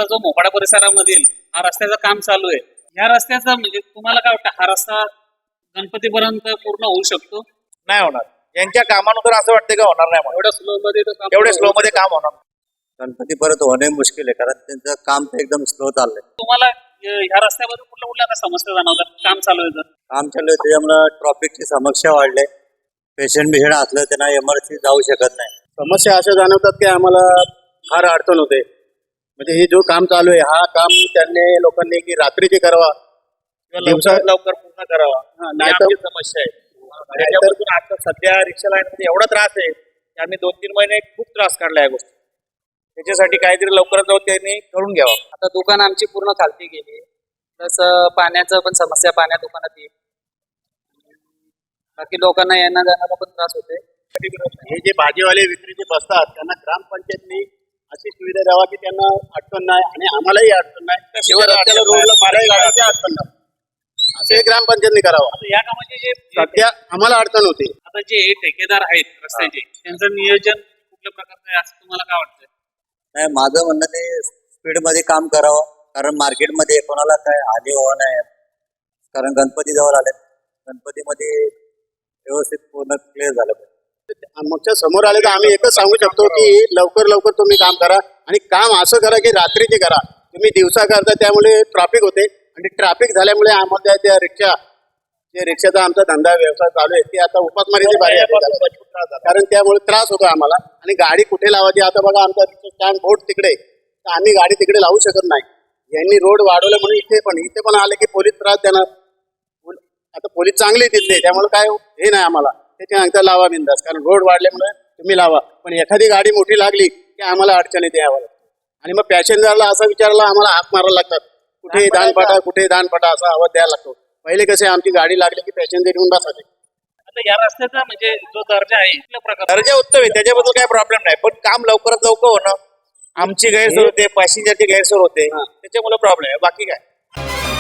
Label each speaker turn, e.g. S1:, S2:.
S1: आता जो मोपाडा परिसरामधील हा रस्त्याचं काम चालू आहे, या रस्त्याचा म्हणजे तुम्हाला काय वाटतं, हा रस्ता गणपतीपर्यंत पूर्ण होऊ शकतो?
S2: नाही होणार. यांच्या कामानुसार असं वाटतं का होणार नाही म्हणून. एवढ्या स्लो मध्ये काम होणार.
S3: गणपती परत होणे मुश्किल आहे, कारण त्यांचं काम तर एकदम स्लो चाललंय.
S1: तुम्हाला ह्या रस्त्यामध्ये कुठल्या कुठल्या आता समस्या जाणवतात काम चालू आहे तर?
S3: काम चालू आहे त्याच्यामुळे ट्रॉफिकची समस्या वाढले. पेशंट असलं त्यांना इमर्जन्सी जाऊ शकत नाही.
S4: समस्या अशा जाणवतात की आम्हाला फार अडचण होते. म्हणजे हे जो काम चालू आहे, हा काम त्यांनी लोकांनी की रात्रीचे करावा,
S2: लवकर पूर्ण करावा.
S4: नाही
S2: ही आमची समस्या आहे. त्याच्यापासून आता सध्या रिक्षा लाईन मध्ये एवढा त्रास आहे की आम्ही 2-3 महिने खूप त्रास काढला या गोष्टी. त्याच्यासाठी काहीतरी लवकरात लवकर त्यांनी करून घ्यावा.
S5: आता दुकान आमची पूर्ण खालती गेली, तसं पाण्याचं पण समस्या, पाण्या दुकानात येईल. बाकी लोकांना येण्या जाण्याला पण त्रास होते.
S4: हे जे भाजीवाले विक्रीचे बसतात त्यांना ग्रामपंचायतनी अशी सुविधा द्यावा की त्यांना अडचण नाही आणि आम्हालाही अडचण नाही. शिवाय रस्त्याला रोडला मारायला गाड्याची अडचण नाही, असे ग्रामपंचायतनी करावं.
S1: या कामाचे जे
S4: सध्या आम्हाला अडचण होते.
S1: आता जे ठेकेदार आहेत रस्त्याचे, त्यांचं नियोजन कुठल्या प्रकारचं आहे असं तुम्हाला काय वाटतं?
S3: नाही, माझं म्हणणं ते स्पीड मध्ये काम करावं, कारण मार्केटमध्ये कोणाला काय हानी होऊ नये. कारण गणपती जवळ आले, गणपतीमध्ये व्यवस्थित पूर्ण क्लिअर झालं पाहिजे.
S4: आमच्या समोर आले तर आम्ही एकच सांगू शकतो की लवकर लवकर तुम्ही काम करा आणि काम असं करा की रात्रीचे करा. तुम्ही दिवसा करता त्यामुळे ट्रॅफिक होते आणि ट्रॅफिक झाल्यामुळे आम्हाला त्या रिक्षाचा आमचा धंदा व्यवसाय चालू आहे, ती आता उपासमारीची बारी आहे. कारण त्यामुळे त्रास होतो आम्हाला. आणि गाडी कुठे लावायची, आता बघा आमचा रिक्षा स्टँड बोर्ड तिकडे, तर आम्ही गाडी तिकडे लावू शकत नाही. यांनी रोड वाढवलं म्हणून इथे पण आले की पोलीस त्रास देणार. आता पोलीस चांगले तिथले, त्यामुळे काय हे नाही आम्हाला. त्याच्यानंतर लावा बिंदास, कारण रोड वाढल्यामुळे तुम्ही लावा. पण एखादी गाडी मोठी लागली की आम्हाला अडचण येते यावर. आणि मग पॅसेंजरला असा विचारला आम्हाला हाक मारायला लागतात, कुठे दानपाटा असा आवाज द्यायला लागतो. पहिले कसे आमची गाडी लागली की पॅसेंजर येऊन बसायचे.
S1: आता या रस्त्याचा म्हणजे जो दर्जा आहे कुठल्या प्रकार
S2: दर्जा उत्तम आहे, त्याच्याबद्दल काही प्रॉब्लेम नाही. पण काम लवकरात लवकर होणं, आमची गैरसोय होते, पॅसेंजरची गैरसोय होते, त्याच्यामुळे प्रॉब्लेम आहे. बाकी काय